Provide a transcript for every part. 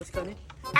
Sekarang ni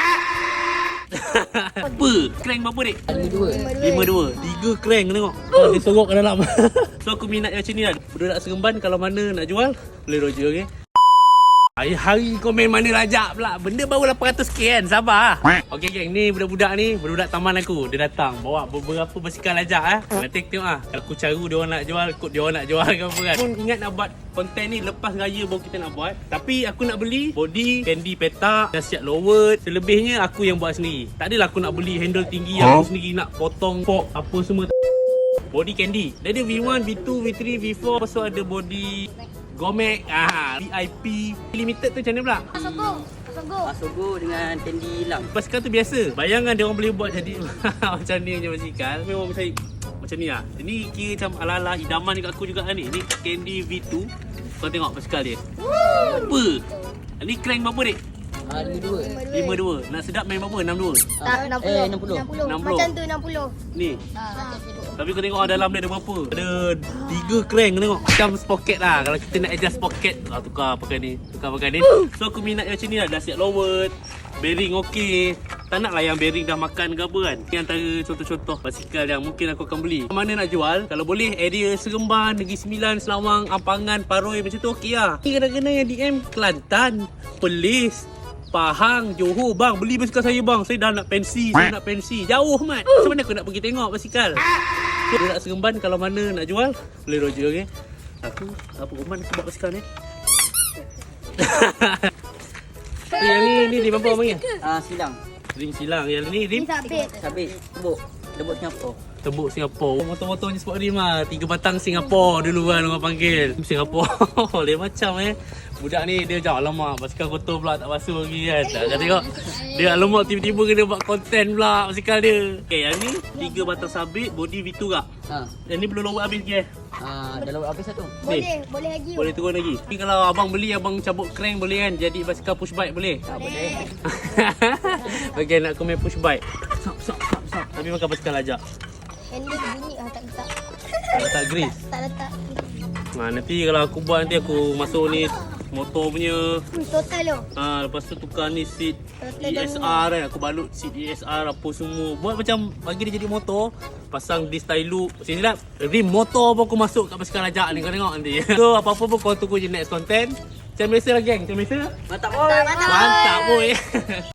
apa? Crank berapa dik? 52. 3 crank tengok. Dia sorok kat dalam. So aku minat yang macam ni lah. Budak Seremban kalau mana nak jual boleh roger, okey. Hari-hari komen mana rajak pula. Benda baru 800k kan. Sabar. Okey geng, ni budak-budak ni, budak taman aku. Dia datang bawa beberapa basikal rajak Nanti tengok Kalau aku caru dia orang nak jual, kot dia orang nak jual ke apa kan. Pun ingat nak buat konten ni lepas raya baru kita nak buat. Tapi aku nak beli body, candy petak, nasihat lower. Selebihnya aku yang buat sendiri. Tak adalah aku nak beli handle tinggi aku sendiri nak potong fork apa semua. Body candy. Dia ada V1, V2, V3, V4. Lepas tu ada body Gomek, VIP limited tu macam mana pula? Asogo dengan tendi hilang. Basikal tu biasa. Bayangan dia orang boleh buat jadi macam ni je basikal. Memang saya macam ni lah. Ini kira macam ala-ala idaman dekat aku juga ni. Ni Candy V2. Kau tengok basikal dia. Apa? Ni crank berapa dik? 52. Nak sedap main berapa? 62? Tak, 60. 60. Macam tu 60. Ni. Tapi kau tengok dalam dia ada berapa? Ada 3 crank tengok. Macam sprocket lah. Kalau kita nak adjust sprocket, tukar pakai ni. So aku minat yang macam ni lah. Dah siap lower, bearing okey. Tak nak lah yang bearing dah makan ke apa kan. Ini antara contoh-contoh basikal yang mungkin aku akan beli. Mana nak jual? Kalau boleh area Seremban, Negeri Sembilan, Selawang, Ampangan, Paroi macam tu okey lah. Ni kadang-kadang yang DM Kelantan, Perlis, Pahang, Johor, bang beli basikal saya bang. Saya dah nak pensi, Jauh mat. Macam mana aku nak pergi tengok basikal? So, budak Seremban kalau mana nak jual boleh roger, okey. Aku apa Roman aku buat basikal ni. Yang ni berapa abang ya? Silang. Rim silang. Yang ni rim Sabit. Tebuk Singapura. Tebuk Singapura. Motor-motor ni sport rim lah. 3 batang Singapura dulu kan orang panggil. Singapura. Lain macam Budak ni dia macam alamak basikal kotor pula tak basuh lagi kan. Tak tengok. Dia alamak tiba-tiba kena buat konten pula basikal dia. Okay, yang ni 3 batang sabit, body V2 kak. Yang ni belum lower habis ke? Dah lawan habis satu. Boleh lagi. Boleh turun lagi. Tapi kalau abang beli, abang cabut crank boleh kan? Jadi basikal push bike boleh? Tak boleh. Okay, nak komen push bike. Sop. Tapi makan basikal ajak. Handle bunyi tak letak. Tak grease. Tak letak. Nanti kalau aku buat nanti aku masuk ni motor punya. Total tu. Lepas tu tukar ni seat ESR kan. Aku balut seat ESR apa semua. Buat macam bagi dia jadi motor. Pasang disc tie loop. Sini lah. Rim motor pun aku masuk kat basikal ajak ni. Kau tengok nanti. So apa-apa pun kau tunggu je next content. Macam biasa lah geng. Macam biasa. Mantap. Mantap boy.